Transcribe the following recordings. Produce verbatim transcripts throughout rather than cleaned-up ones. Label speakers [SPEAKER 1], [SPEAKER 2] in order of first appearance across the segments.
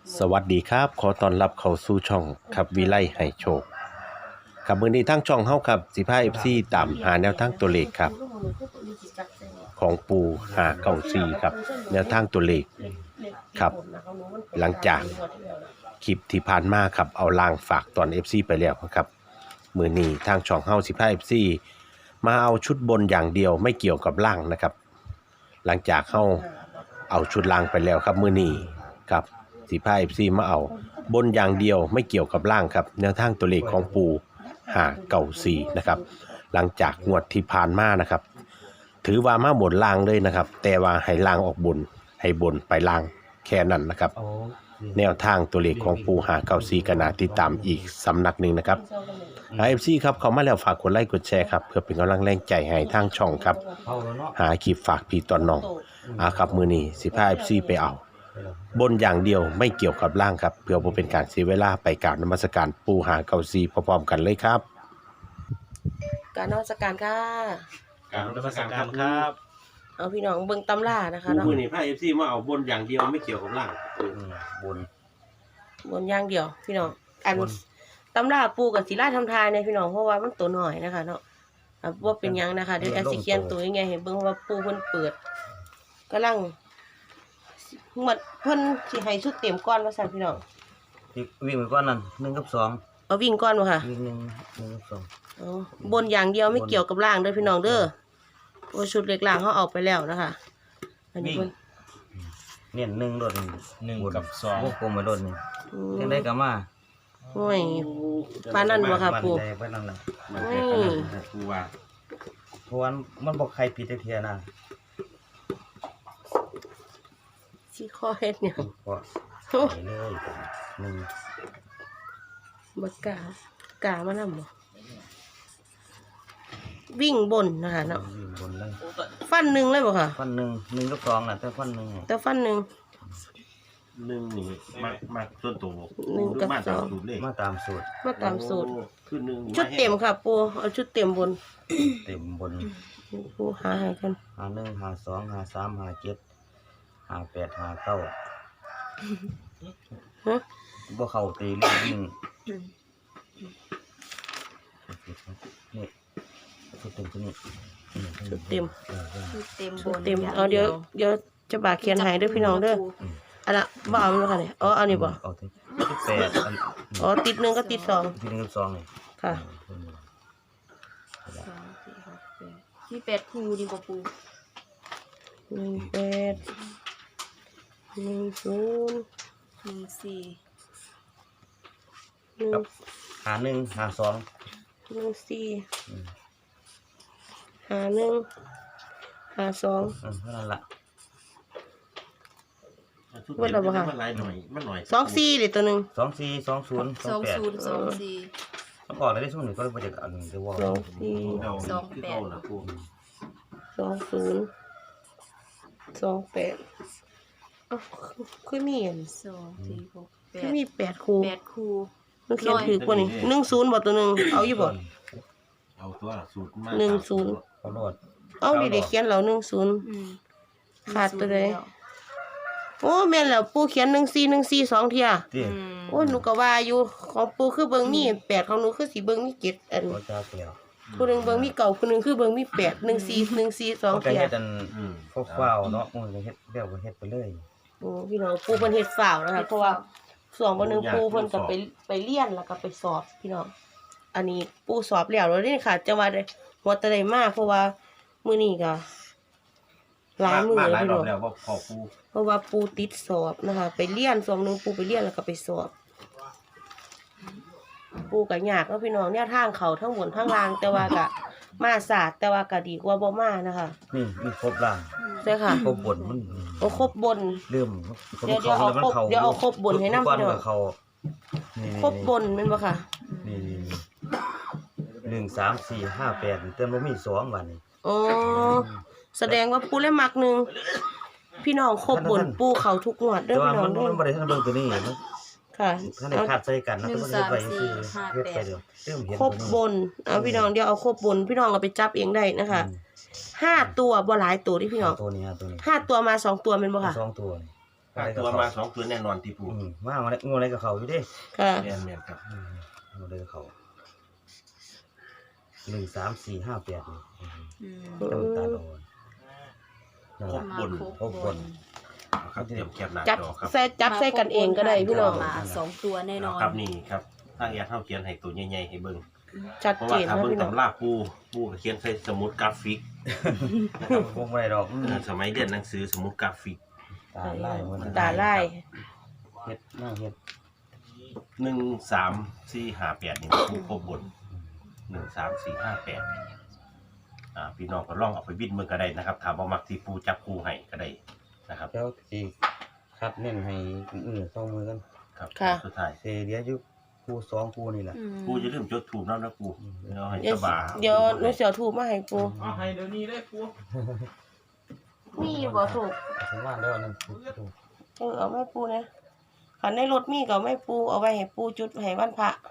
[SPEAKER 1] สวัสดีครับขอต้อนรับเข้าสู่ช่องครับวิไลให้โชคครับมื้อนี้ทางช่องเฮาครับสิพา เอฟ ซี ตามหาแนวทางตัวเลขครับของปู่ห้าเก้าสี่ครับแนวทางตัวเลขครับหลังจากคลิปที่ผ่านมาครับเอาลางฝากตอน เอฟ ซี ไปแล้วครับมื้อนี้ทางช่องเฮาสิพา เอฟ ซี มาเอาชุดบนอย่างเดียวไม่เกี่ยวกับล่างนะครับหลังจากเฮาเอาชุดล่างไปแล้วครับมื้อนี้ครับสิพา เอฟ ซี มาเอาบนอย่างเดียวไม่เกี่ยวกับล่างครับแนวทางตัวเลขของปู่ห้าเก้าสี่นะครับหลังจากงวดที่ผ่านมานะครับถือว่ามาบนล่างเลยนะครับแต่ว่าให้ล่างออกบนให้บนไปล่างแค่นั้นนะครับแนวทางตัวเลขของปู่ห้าเก้าสี่ก็น่าติดตามอีกสำนักหนึ่งนะครับ เอฟ ซี ครับเขามาแล้วฝากกดไลค์กดแชร์ครับเพื่อเป็นกำลังแรงใจให้ทางช่องครับหาคลิปฝากพี่ตอนน้องอาครับมือนี้สิพา เอฟ ซี ไปเอาบนอย่างเดียวไม่เกี่ยวกับล่างครับเพื่อบ่เป็นการเสียเวลาไปกราบนมัสการปู่ห้าเก้าสี่พร้อมๆกันเลยครับ
[SPEAKER 2] การนมัสการค่ะ
[SPEAKER 1] กราบนมัสการครับ
[SPEAKER 2] เอาพี่น้องเบิ่งตำรานะคะเนาะ
[SPEAKER 1] มือนี้พา เอฟ ซี มาเอาบนอย่างเดียวไม่เกี่ยวกับล่างบน
[SPEAKER 2] บนอย่างเดียวพี่น้องอันตำราปูกับศิลาทำทายในพี่น้องเพราะว่ามันตัวหน่อยนะคะเนาะอ่ะว่าเป็นหยังนะคะเดี๋ยวแอสิเขียนตัวยังไงให้เบิ่งว่าปูเพิ่นเปิดกำลังหมดเพิ่นสิให้ชุดเต็มก้อนว่าซั่นพี่น้อง
[SPEAKER 3] วิ่งไปก้อนนั่นหนึ่งกับสอง
[SPEAKER 2] เอาวิ่งก้อนบ่ค่ะ
[SPEAKER 3] วิ่งหนึ่งหนึ่งกับสอง
[SPEAKER 2] อ๋อบนอย่างเดียวไม่เกี่ยวกับล่างเด้อพี่น้องเด้อโอ้ชุดเล็กล่างเขาเอาไปแล้วนะคะอันนี้เพิ่น
[SPEAKER 3] เนี่ยหนึ่งโดด
[SPEAKER 4] หนึ่งกับสอง
[SPEAKER 3] พวกกลมไปโดดนี่
[SPEAKER 2] อืม
[SPEAKER 3] ยังได้กับมา
[SPEAKER 2] โอ้ยปานนั้นบ่ค่ะปู
[SPEAKER 3] ใจไปนั่นแหละ
[SPEAKER 1] มันเป็นขนาดนั้นปู่ว่า
[SPEAKER 3] เพราะว่ามันบอกใครผิดเทียนะ
[SPEAKER 2] สิข้อเฮ็ดหยัง
[SPEAKER 3] เพราะ
[SPEAKER 2] โอ้
[SPEAKER 3] ไปเลยหนึ่ง
[SPEAKER 2] บ่กล้ากล้ามานำบ่วิ่งบนนะคะเนาะ
[SPEAKER 3] วิ่งบนเลย
[SPEAKER 2] ฟันหนึ่งเลยบ่ค่ะ
[SPEAKER 3] ฟันหนึ่งหนึ่งกับสองน่ะแต่ฟันหนึ่ง
[SPEAKER 2] แต่ฟันหนึ่ง
[SPEAKER 1] หนึ่งนี่มักมักส่วนตัว
[SPEAKER 2] หนึ่งกับ
[SPEAKER 1] มา
[SPEAKER 2] ส
[SPEAKER 1] ตา
[SPEAKER 2] อ
[SPEAKER 1] ม
[SPEAKER 2] ง
[SPEAKER 1] สูตรเลย
[SPEAKER 3] มาตามสูตร
[SPEAKER 2] มาตามสูตร
[SPEAKER 1] คือหนึ่ง
[SPEAKER 2] ชุดเต็มค่ะปูเอาชุดเต็มบน
[SPEAKER 3] เต็มบน
[SPEAKER 2] ปูหาให้กัน
[SPEAKER 3] หาหนึ่งหาสองหาสามหาเจ็ดหาแปดหาเก้า
[SPEAKER 2] ฮะ
[SPEAKER 3] บ่เข้าตีเรื่องวิ่งนี่ชุดเต็มตัวนี้
[SPEAKER 2] ชุดเต็ม
[SPEAKER 3] เออเออ
[SPEAKER 5] เต็มบ
[SPEAKER 2] ชุด
[SPEAKER 5] น
[SPEAKER 2] เต็มเอาเดี๋ยวเดี๋ยวจะบากเขียนให้เด้อพี่น้องเด้ออันละบ่เอามันบ่ค่ะเนี่ยอ๋อเอานี่บ่
[SPEAKER 3] เอาที่ที่แปดอัน
[SPEAKER 2] อ๋อติดหนึ่งก็ติดสอง
[SPEAKER 3] ที่หนึ่งกับสองนี่
[SPEAKER 2] ค่ะ
[SPEAKER 5] สองสี่หกแปดมีแปดคู่ดีกว่าปู
[SPEAKER 2] หนึ่งแปดหนึ่งศูนย์
[SPEAKER 5] หนึ่งสี่
[SPEAKER 2] หนึ่ง
[SPEAKER 3] หาหนึ่งหาสอง
[SPEAKER 2] หนึ่งสี่หาหนึ่งหาสอง
[SPEAKER 3] เออเท่านั้นละ
[SPEAKER 1] ชุดเต็มมันหลายหน่อยมันหน่อย
[SPEAKER 2] สองสี่เดี๋ยวตัวหนึ่ง
[SPEAKER 3] สองสี่สองศูนย์ส
[SPEAKER 5] ส
[SPEAKER 3] อ
[SPEAKER 5] อง ง
[SPEAKER 3] แปด
[SPEAKER 5] ศูนย์สองสี่
[SPEAKER 3] ต้องออกเลยได้ช่วงหนึ่งก็เลยมาจากอันเดียวว่า
[SPEAKER 2] สองสี่
[SPEAKER 5] สองแปด
[SPEAKER 2] สองศูนย์สองแปดอ๋อคือมีอัน
[SPEAKER 5] สองสี่หกแป
[SPEAKER 2] คือ
[SPEAKER 5] ด
[SPEAKER 2] มีแปดคู่
[SPEAKER 5] แปดคู่
[SPEAKER 2] มันเขียนถือกว่านี่หนึ่งศูนย์บ่ตัวหนึ่งเอาอยู่บ่
[SPEAKER 1] เอาตัวสูตรมา
[SPEAKER 2] หนึ่งศูนย์
[SPEAKER 3] เขาโดด
[SPEAKER 2] เอาดิเด็กเขียนเราหนึ่งศูนย์
[SPEAKER 5] อืม
[SPEAKER 2] ขาดไปเลย โอ้แม่นแล้วปูเขียนหนึ่งสี่หนึ่งสี่สองเทีย
[SPEAKER 3] ที่
[SPEAKER 5] อืม
[SPEAKER 2] โอ้หนูก็ว่าอยู่ของปูคือเบิ่งมีแปดของหนูคือสีเบิ่งมีเจ็ดอัน
[SPEAKER 3] เขาจะเปลี่ยว
[SPEAKER 2] ผู้หนึ่งเบิ่งมีเก่าผู้หนึ่งคือเบิ่งมีแปดหนึ่งสี่หนึ่งสี่สอง
[SPEAKER 3] เขาจะ
[SPEAKER 2] เทีย
[SPEAKER 3] เฮ็ดอันพวกฟ้าวเนาะมันจะเฮ็ดเบี้ยวก็เฮ็ดไปเลย
[SPEAKER 2] โอ้พี่น้องปูเพิ่นเฮ็ดฝ่าวนะคะเพราะว่าส่วนบ่หนึงปูเพิ่นก็ไปไปเรียนแล้วก็ไปสอบพี่น้องอันนี้ปูสอบแล้วแล้วนี่ค่ะจะว่าได้หัวแตะได้มากเพราะว่ามื้อนี้ก็หลายมื้อ
[SPEAKER 1] มา
[SPEAKER 2] เลย
[SPEAKER 1] หลาย
[SPEAKER 2] พี่
[SPEAKER 1] รอ
[SPEAKER 2] น้
[SPEAKER 1] บ
[SPEAKER 2] อง
[SPEAKER 1] แล้วว่าพอปู
[SPEAKER 2] เพราะว่าปูติดสอบนะคะ ไปเรียนส่วนหนึงปูไปเรียนแล้วก็ไปสอบ ปูก็ยากเนาะพี่น้องเนี่ยทางเขาทั้งบนทั้งล่างแต่ว่าก็มาศาสตร์แต่ว่าก็ดีกว่าบ่มานะคะ
[SPEAKER 3] นี่มีครบล่าง
[SPEAKER 2] ใช่ค่ะ
[SPEAKER 3] ครบบนมัน
[SPEAKER 2] โอ้ครบบน
[SPEAKER 3] เริ่มคน
[SPEAKER 2] เดี๋ยว
[SPEAKER 3] เขาแล้วมัน
[SPEAKER 2] เดี๋ยวเอา
[SPEAKER 3] เขา
[SPEAKER 2] ครบเดี๋ยวเอาครบบนให้นำ
[SPEAKER 3] ก้อน
[SPEAKER 2] พี่น้อง
[SPEAKER 3] กับเขานี่
[SPEAKER 2] ครบบนแม่นบ่ค่ะ
[SPEAKER 3] นี่นี่นี่หนึ่งสามสี่ห้าแปดเต็มบ่มีสองวันนี้
[SPEAKER 2] อ๋อแสดงว่าปูเล่มักหนึ่งพี่น้องครบบนปูเขาทุกงวดเด้
[SPEAKER 3] แต่
[SPEAKER 2] อ
[SPEAKER 3] ว่า
[SPEAKER 2] พี่น้อ
[SPEAKER 3] มั
[SPEAKER 2] ง
[SPEAKER 3] น
[SPEAKER 2] เด้อ
[SPEAKER 3] มันบ่ได้ทันเบิ่งตัวนี้มัน
[SPEAKER 2] ค่ะ
[SPEAKER 3] ท่านได้
[SPEAKER 2] เอา
[SPEAKER 3] ขาดใส่กันนะแต่มันเฮ็ดไว้ซื่อเฮ็ดไปเดี๋ยวเริ่มเห็น
[SPEAKER 2] ครบบนเอาพี่น้องเดี๋ยวเอาครบบนพี่น้องเอาไปจับเองได้นะคะห้าตัวบ่หลายตัวที่พี่น้อง
[SPEAKER 3] ตัวนี้ฮะตัวนี้
[SPEAKER 2] ห้าตัวมาสองตัวแม่นบ่ค่ะ
[SPEAKER 3] สองตัวนี่
[SPEAKER 1] ห้าตัวมาสองตัวแน่นอนที่ปู
[SPEAKER 3] อืมมามางูอะไรกับเขาอยู่เด้
[SPEAKER 2] ค่ะ
[SPEAKER 1] แม่นแม่นครับ
[SPEAKER 3] อืมงูอะไรกับเขาหนึ่งสามสี่ห้าแปดนี่อืม
[SPEAKER 5] อืม
[SPEAKER 3] ต้องตาโดนนั่น
[SPEAKER 1] คร
[SPEAKER 3] ล่ะ
[SPEAKER 1] บบน
[SPEAKER 3] ครบบน
[SPEAKER 1] ครับเตรียมแคปหน้า
[SPEAKER 2] จับ
[SPEAKER 1] จอครับ
[SPEAKER 2] ใส่จับใส่กันเองก็ได้พี่น้อง
[SPEAKER 5] มาสองตัวแน่นอน
[SPEAKER 1] ครับนี่ครับทางแอดเฮาเขียนให้ตัวใหญ่ๆให้เบิ่ง
[SPEAKER 2] ชัด
[SPEAKER 1] เพราะ
[SPEAKER 2] เจ
[SPEAKER 1] ว่าน ถ้า
[SPEAKER 2] นะ
[SPEAKER 1] เบิ่ง
[SPEAKER 2] พี่น้อง
[SPEAKER 1] ตำราปูปูก็เขียนใส่สมุดกราฟิกนะครับ
[SPEAKER 3] คงไม่ได้ดอกอืม
[SPEAKER 1] เออสมัยเรียนหนังสือสมุดกราฟิก
[SPEAKER 3] ตาไล่หมด
[SPEAKER 2] ตาไล่
[SPEAKER 3] เฮ็ดหน้าเฮ็ด
[SPEAKER 1] หนึ่งสามสี่ห้าแปดนี่ปูครบบนหนึ่งสามสี่ห้าแปดอ่าพี่น้องก็ลองเอาไปบิดมือก็ได้นะครับถามว่ามักที่ปูจับปูให้ก็ได้นะครับ
[SPEAKER 3] แล้วสิคัดเน้นให้เออต้องมือกัน
[SPEAKER 1] ครับ
[SPEAKER 2] ค่ะ
[SPEAKER 1] สุดท้าย
[SPEAKER 3] เสียเดียวอยู่คู่สองคู่นี่แหละ
[SPEAKER 5] อืม
[SPEAKER 1] ปูจะลืมจดถูกน้ำนะปูเดี๋ยวให้
[SPEAKER 2] เดี๋ยว
[SPEAKER 1] สบาย
[SPEAKER 2] เดี๋ยวหนูเสียวถูกมาให้ปู
[SPEAKER 4] เอาให้เดี๋ยวนี้เลยปู
[SPEAKER 2] มีบ่ถูก
[SPEAKER 3] ถึงว่าแล้วนั่นถูก
[SPEAKER 2] เออเอาไม่ปูนะขันในรถมีก็เอาไม่ปูเอาไว้ให้ปูจุดให้วันพระ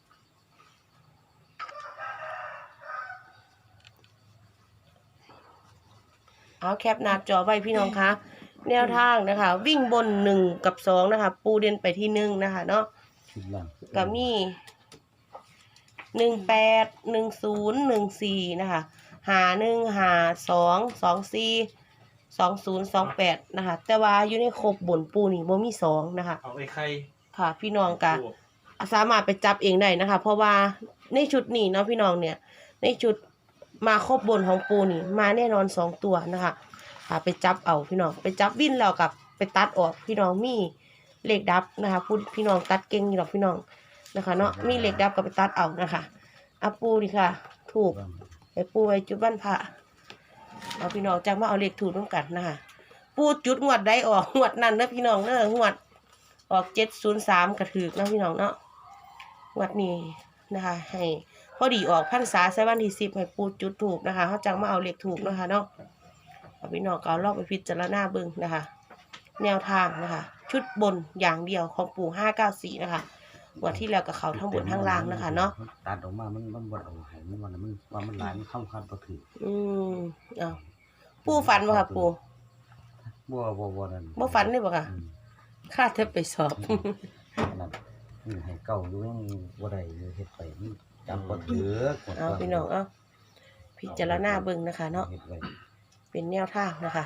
[SPEAKER 2] เอาแคปหน้าจอไว้พี่น้องคะแนวทางนะคะ วิ่งบนหนึ่งกับสองนะคะ ปูเด่นไปที่หนึ่งนะคะเนาะ
[SPEAKER 3] ชุดล่าง
[SPEAKER 2] ก็มีหนึ่งแปดหนึ่งศูนย์หนึ่งสี่นะคะหาหนึ่งหาสองสองสี่สองศูนย์สองแปดนะคะ แต่ว่าอยู่ในครบบนปูนี่บ่มีสองนะคะ
[SPEAKER 4] เอาไอ้ไข่
[SPEAKER 2] ค่ะ พี่น้องก็สามารถไปจับเองได้นะคะ เพราะว่าในชุดนี้เนาะพี่น้องเนี่ย ในชุดมาครบบนของปูนี่ มาแน่นอนสองตัวนะคะค่ะไปจับเอาพี่น้องไปจับวิ่นแล้วกับไปตัดออกพี่น้องมีเลขดับนะคะพูดพี่น้องตัดเก่งอยู่หรอกพี่น้องนะคะ เนาะมีเลขดับก็ไปตัดเอานะคะอาปูนี่ค่ะ ถูกไปปูไว้จุดบ้านพระเอาพี่น้องจังมาเอาเลขถูกร่วมกันนะคะปูจุดงวดได้ออกงวดนั่นเนอะพี่น้องเนอะงวดออกเจ็ดศูนย์สามกระถือนะพี่น้องเนาะงวดนี้นะคะ ให้พอดีออกพรรษาใช้วันที่สิบให้ปูจุดถูกนะคะเขาจังมาเอาเลขถูกนะคะเนาะเอาพี่น้องก็เอาลอกไปพิจารณาเบิ่งนะคะ แนวทางนะคะ ชุดบนอย่างเดียวของปู่ห้าเก้าสี่นะคะวันที่แล้วกับเขาทั้งบนทั้งล่างนะคะเนาะ
[SPEAKER 3] ตัดออกมามันมันบ่เอาให้มันว่ามันว่ามันหลายมันเข้าคันบ่ถือ
[SPEAKER 2] อืมเอาปู่ฝันบ่ค่ะปู่
[SPEAKER 3] บ่บ่บ่นั่น
[SPEAKER 2] บ่ฝันเลยบ่ค่ะ
[SPEAKER 3] อืม
[SPEAKER 2] ข้าเธอไปสอบ
[SPEAKER 3] นั่นอืมให้เก่าอยู่ยังบ่ได้อยู่เฮ็ดไปมันจำบ่ถือ
[SPEAKER 2] เอาพี่น้องเอาพิจารณาเบิ่งนะคะ เนาะ
[SPEAKER 3] เฮ็ดไว้
[SPEAKER 2] เป็นแนวทางนะคะ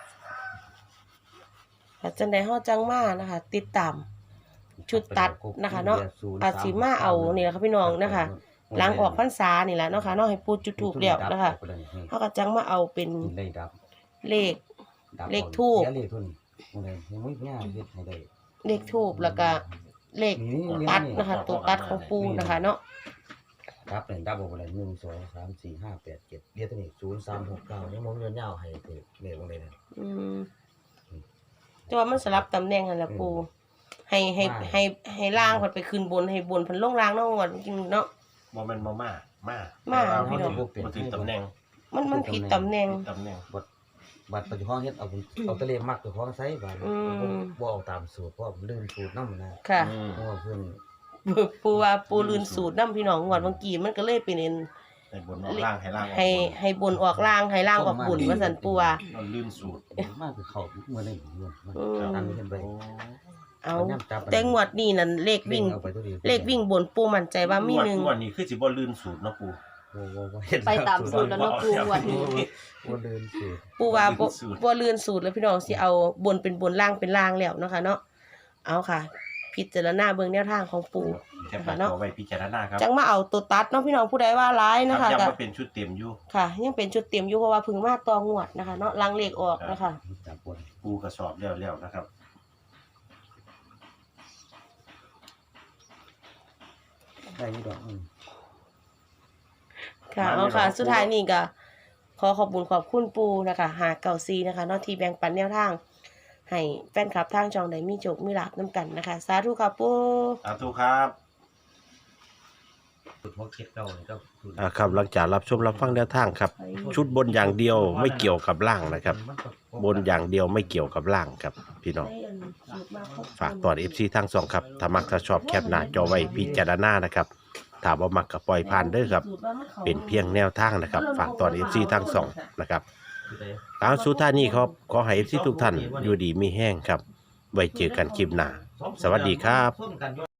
[SPEAKER 2] แต่จังใดเฮาจังมานะคะ ติดตาม ชุดตัดนะคะเนาะอาจสิมาเอานี่แหละค่ะพี่น้องนะคะ หลังออกพรรษานี่แหละเนาะค่ะเนาะให้ปูจุดถูกแล้วนะคะเฮาก็จังมาเอาเป็น
[SPEAKER 3] ได้ดับ
[SPEAKER 2] เลข
[SPEAKER 3] ดับ
[SPEAKER 2] เลขทูป
[SPEAKER 3] เสียเลขทุนบ่ได้ยังไม่ง่ายเฮ็ดให้ได้
[SPEAKER 2] เลขทูบแล้วก็เลขตัดนะคะ ตัวตัดของปูนะคะ เนาะ
[SPEAKER 3] ดับหนึ่งดับบ่ได้หนึ่ง สอง สาม สี่ ห้า แปด เจ็ดเรียกตัวนี้ศูนย์ สาม หก เก้ายังบ่เงินยาวให้ถือเลขบ่ได้นั่น
[SPEAKER 2] อืมแต่ว่ามันสลับตำแหน่งกันแหละปูให้ให้
[SPEAKER 3] ว่า
[SPEAKER 2] ให้ให้ล่างเพิ่นไปขึ้นบนให้บนเพิ่นลงล่างเนาะงวดจริงเนาะ
[SPEAKER 1] โมเมนต์มาม่ามา
[SPEAKER 2] มา
[SPEAKER 1] แต่ว่
[SPEAKER 2] พี่น้อง
[SPEAKER 1] บ่ถึงบ่ถึงตำแหน่ง
[SPEAKER 2] มันมันผิดตำแหน่ง
[SPEAKER 1] ตำแหน่ง
[SPEAKER 3] บัดบัดปัจจุบันเฮ็ดเอาเอาแตะเลมักเจ้าของใช้บาด
[SPEAKER 2] อืม
[SPEAKER 3] บ่เอาตามสูตรเพราะว่าลืมสูตรนำนะ
[SPEAKER 2] ค่ะ
[SPEAKER 1] อืม
[SPEAKER 3] เพราะว่าเพิ่น
[SPEAKER 2] ปูว่าปูลืนสูตรนํพี่น้องงวดเมื่อกี้มันก็เลยเป็นเอ็น
[SPEAKER 1] ให้บนออกล่างให้ล่างออกบน
[SPEAKER 2] ให้ให้บนออกล่างให้ล่างออกบุญว่าซั่นปูว่า
[SPEAKER 1] เราลื่นสูตร
[SPEAKER 3] มากคือเขาเมื่อได้เงินมัน
[SPEAKER 2] อืม
[SPEAKER 3] อันนี้เห็นไป
[SPEAKER 1] โอ้
[SPEAKER 2] เอาแต่งวดนี้นั่นเลขวิ่ง
[SPEAKER 3] เอาไปตัวดียว
[SPEAKER 2] เลขวิ่งบนปูมั่นใจว่ามีหนึ่ง
[SPEAKER 1] งวดนี้คือสิบ่ลื่นสูตรเนาะปู
[SPEAKER 3] บ่บ่บ่เฮ็ด
[SPEAKER 5] ไปตามสูตรแล้วเนาะปูงวันนี้
[SPEAKER 3] บ่ลืมสูตร
[SPEAKER 2] ปูว่าบ่บ่ลื่นสูตรแล้วพี่น้องสิเอาบนเป็นบนล่างเป็นล่างแล้วเนาะค่ะเนาะเอาค่ะ พิจารณาเบิ่งแนวทางของปู
[SPEAKER 1] แคปหน้าจอไว้พิจารณาครับ
[SPEAKER 2] จังมาเอาตัวตัดเนาะพี่น้องผู้ใดว่าร้าย
[SPEAKER 1] ค
[SPEAKER 2] นะ
[SPEAKER 1] รับ
[SPEAKER 2] คะ
[SPEAKER 1] ย้ำ
[SPEAKER 2] ก็
[SPEAKER 1] ว่าเป็นชุดเต็มอยู่
[SPEAKER 2] ค่ะ ยังเป็นชุดเตรียมอยู่เพราะว่าเพึ่งมาตองวดนะคะ เนาะลังเลขออกนะคะ
[SPEAKER 3] จับบน
[SPEAKER 1] ปูกระสอบแล้วแล้วนะครับ
[SPEAKER 3] ได้อยู่ดอกอืม
[SPEAKER 2] ค่ะเอาค่ะ สุดท้ายนี่ก็ขอขอบคุณขอบคุณปูนะคะหาเก่าซีนะคะเนาะที่แบ่งปันแนวทางให้แฟนคลับทางช่องได้มีโจกมีลาบน้ำกันนะคะ สาธุค่ะปู
[SPEAKER 1] สาธุครับ
[SPEAKER 3] สูตรบ่เฮ็ดเก่านี่ก็สูตร
[SPEAKER 1] อ่าครับหลังจากรับชมรับฟังแนวทางครับ ชุดบนอย่างเดียวไม่เกี่ยวกับล่างนะครับ บนอย่างเดียวไม่เกี่ยวกับล่างครับพี่น้อง
[SPEAKER 2] ได้อันสูตรมาครบ
[SPEAKER 1] ฝากตอน เอฟ ซี ทั้งสองครับถ้ามักถ้าชอบแคปหน้าจอไว้พิจารณานะครับถ้าบ่มักก็ปล่อยผ่านเด้อครับ
[SPEAKER 2] สูตว่ามัข้า
[SPEAKER 1] เป็นเพียงแนวทางนะครับ ฝากตอน เอฟ ซี ทั้งสองนะครับ
[SPEAKER 3] คือได้
[SPEAKER 1] เอาสุดท้ายนี้ครับขอให้ เอฟ ซี ทุกท่านอยู่ดีมีแห้งครับไว้เจอกันคลิปหน้า สวัสดีครับ
[SPEAKER 3] ส้มกัน